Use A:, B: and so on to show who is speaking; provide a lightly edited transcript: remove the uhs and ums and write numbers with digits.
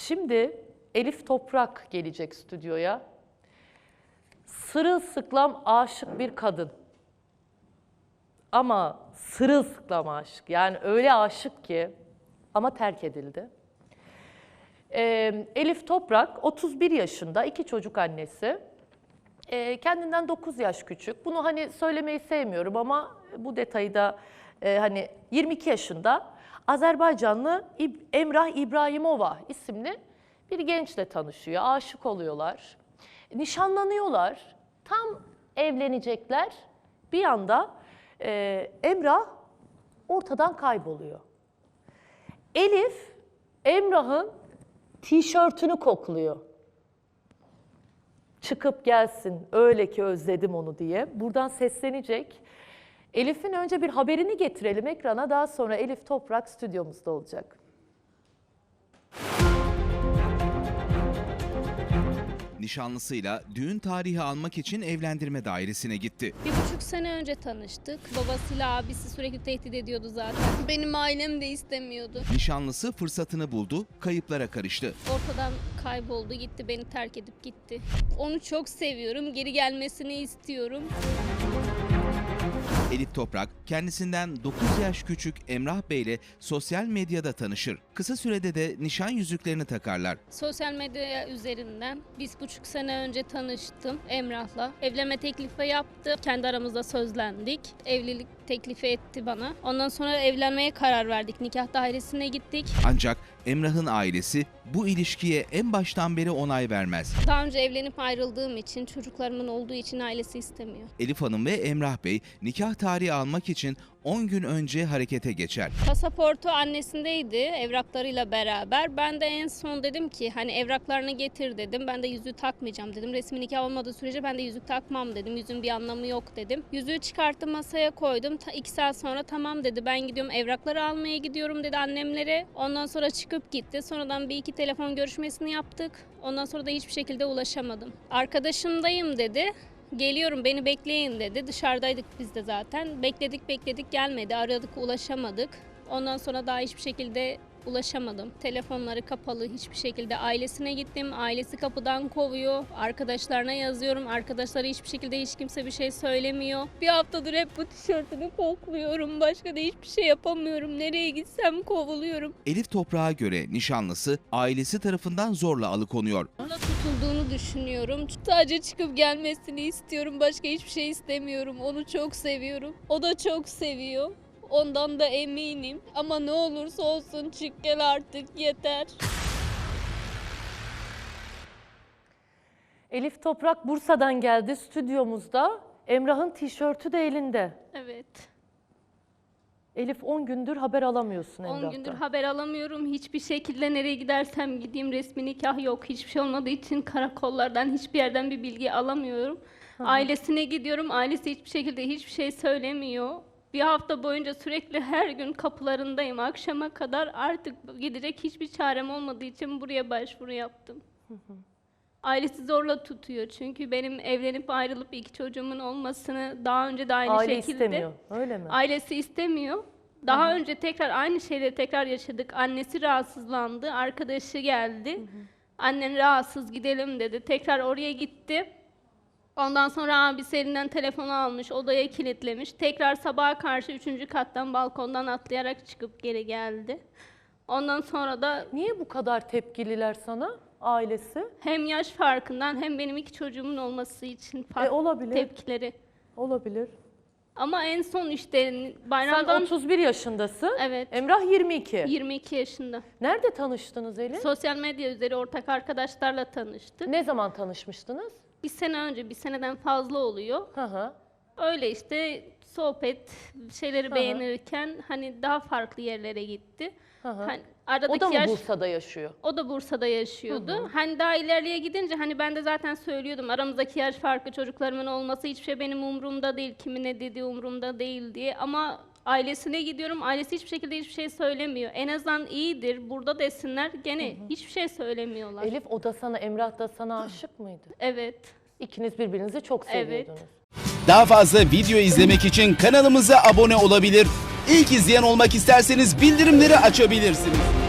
A: Şimdi Elif Toprak gelecek stüdyoya. Sırılsıklam aşık bir kadın. Ama sırılsıklam aşık. Yani öyle aşık ki ama terk edildi. Elif Toprak 31 yaşında, 2 çocuk annesi. Kendinden 9 yaş küçük. Bunu hani söylemeyi sevmiyorum ama bu detayı da hani 22 yaşında Azerbaycanlı Emrah İbrahimova isimli bir gençle tanışıyor. Aşık oluyorlar. Nişanlanıyorlar. Tam evlenecekler. Bir anda Emrah ortadan kayboluyor. Elif Emrah'ın tişörtünü kokluyor. Çıkıp gelsin, öyle ki özledim onu diye. Buradan seslenecek. Elif'in önce bir haberini getirelim ekrana. Daha sonra Elif Toprak stüdyomuzda olacak.
B: Nişanlısıyla düğün tarihi almak için evlendirme dairesine gitti.
C: 1,5 sene önce tanıştık. Babasıyla abisi sürekli tehdit ediyordu zaten. Benim ailem de istemiyordu.
B: Nişanlısı fırsatını buldu, kayıplara karıştı.
C: Ortadan kayboldu, gitti, beni terk edip gitti. Onu çok seviyorum, geri gelmesini istiyorum.
B: Elif Toprak kendisinden 9 yaş küçük Emrah Bey ile sosyal medyada tanışır. Kısa sürede de nişan yüzüklerini takarlar.
C: Sosyal medya üzerinden 1,5 sene önce tanıştım Emrah'la. Evlenme teklifi yaptı. Kendi aramızda sözlendik. Evlilik teklifi etti bana. Ondan sonra evlenmeye karar verdik. Nikah dairesine gittik.
B: Ancak Emrah'ın ailesi bu ilişkiye en baştan beri onay vermez.
C: Daha önce evlenip ayrıldığım için, çocuklarımın olduğu için ailesi istemiyor.
B: Elif Hanım ve Emrah Bey nikah tarihi almak için 10 gün önce harekete geçer.
C: Pasaportu annesindeydi evraklarıyla beraber. Ben de en son dedim ki hani evraklarını getir dedim. Ben de yüzüğü takmayacağım dedim. Resmi nikah olmadığı sürece ben de yüzük takmam dedim. Yüzüğün bir anlamı yok dedim. Yüzüğü çıkarttım, masaya koydum. 2 saat sonra tamam dedi, ben gidiyorum, evrakları almaya gidiyorum dedi annemlere. Ondan sonra çıkıp gitti. Sonradan bir iki telefon görüşmesini yaptık. Ondan sonra da hiçbir şekilde ulaşamadım. Arkadaşımdayım dedi. Geliyorum, beni bekleyin dedi. Dışarıdaydık biz de zaten. Bekledik gelmedi. Aradık, ulaşamadık. Ondan sonra daha hiçbir şekilde ulaşamadım. Telefonları kapalı, hiçbir şekilde. Ailesine gittim. Ailesi kapıdan kovuyor. Arkadaşlarına yazıyorum. Arkadaşları hiçbir şekilde, hiç kimse bir şey söylemiyor. Bir haftadır hep bu tişörtünü kokluyorum. Başka da hiçbir şey yapamıyorum. Nereye gitsem kovuluyorum.
B: Elif Toprak'a göre nişanlısı ailesi tarafından zorla alıkonuyor.
C: Ona tutulduğunu düşünüyorum. Sadece çıkıp gelmesini istiyorum. Başka hiçbir şey istemiyorum. Onu çok seviyorum. O da çok seviyor. Ondan da eminim. Ama ne olursa olsun çık gel artık, yeter.
A: Elif Toprak Bursa'dan geldi stüdyomuzda. Emrah'ın tişörtü de elinde.
C: Evet.
A: Elif 10 gündür haber alamıyorsun
C: 10
A: Emrah'tan.
C: gündür haber alamıyorum. Hiçbir şekilde nereye gidersem gideyim resmi nikah yok. Hiçbir şey olmadığı için karakollardan, hiçbir yerden bir bilgi alamıyorum. Ailesine gidiyorum. Ailesi hiçbir şekilde hiçbir şey söylemiyor. Bir hafta boyunca sürekli her gün kapılarındayım akşama kadar. Artık gidecek hiçbir çarem olmadığı için buraya başvuru yaptım. Ailesi zorla tutuyor çünkü benim evlenip ayrılıp 2 çocuğumun olmasını daha önce de aynı
A: Aile
C: şekilde...
A: istemiyor, öyle mi?
C: Ailesi istemiyor. Daha önce tekrar aynı şeyleri tekrar yaşadık. Annesi rahatsızlandı, arkadaşı geldi. Annen rahatsız, gidelim dedi. Tekrar oraya gitti. Ondan sonra abisi elinden telefonu almış, odaya kilitlemiş. Tekrar sabaha karşı 3. kattan balkondan atlayarak çıkıp geri geldi. Ondan sonra da
A: Niye bu kadar tepkililer sana, ailesi?
C: hem yaş farkından hem benim 2 çocuğumun olması için
A: Olabilir.
C: tepkileri.
A: Olabilir.
C: Ama en son işte
A: Sen
C: bayramdan
A: 31 yaşındasın.
C: Evet.
A: Emrah 22.
C: 22 yaşında.
A: Nerede tanıştınız Elif?
C: Sosyal medya üzeri ortak arkadaşlarla tanıştık.
A: Ne zaman tanışmıştınız?
C: 1 sene önce, 1 seneden fazla oluyor.
A: Hı hı.
C: Öyle işte sohbet, şeyleri beğenirken hani daha farklı yerlere gitti. Hani aradaki
A: O da mı
C: yaş,
A: Bursa'da yaşıyor?
C: o da Bursa'da yaşıyordu. Hani daha ilerleye gidince hani ben de zaten söylüyordum aramızdaki yaş farkı, çocuklarımın olması hiçbir şey benim umurumda değil, kimin ne dediği umurumda değil diye. Ama ailesine gidiyorum, ailesi hiçbir şekilde hiçbir şey söylemiyor. En azından iyidir, burada desinler, gene hiçbir şey söylemiyorlar.
A: Elif o da sana, Emrah da sana aşık mıydı?
C: Evet.
A: İkiniz birbirinizi çok seviyordunuz.
D: Daha fazla video izlemek için kanalımıza abone olabilir. İlk izleyen olmak isterseniz bildirimleri açabilirsiniz.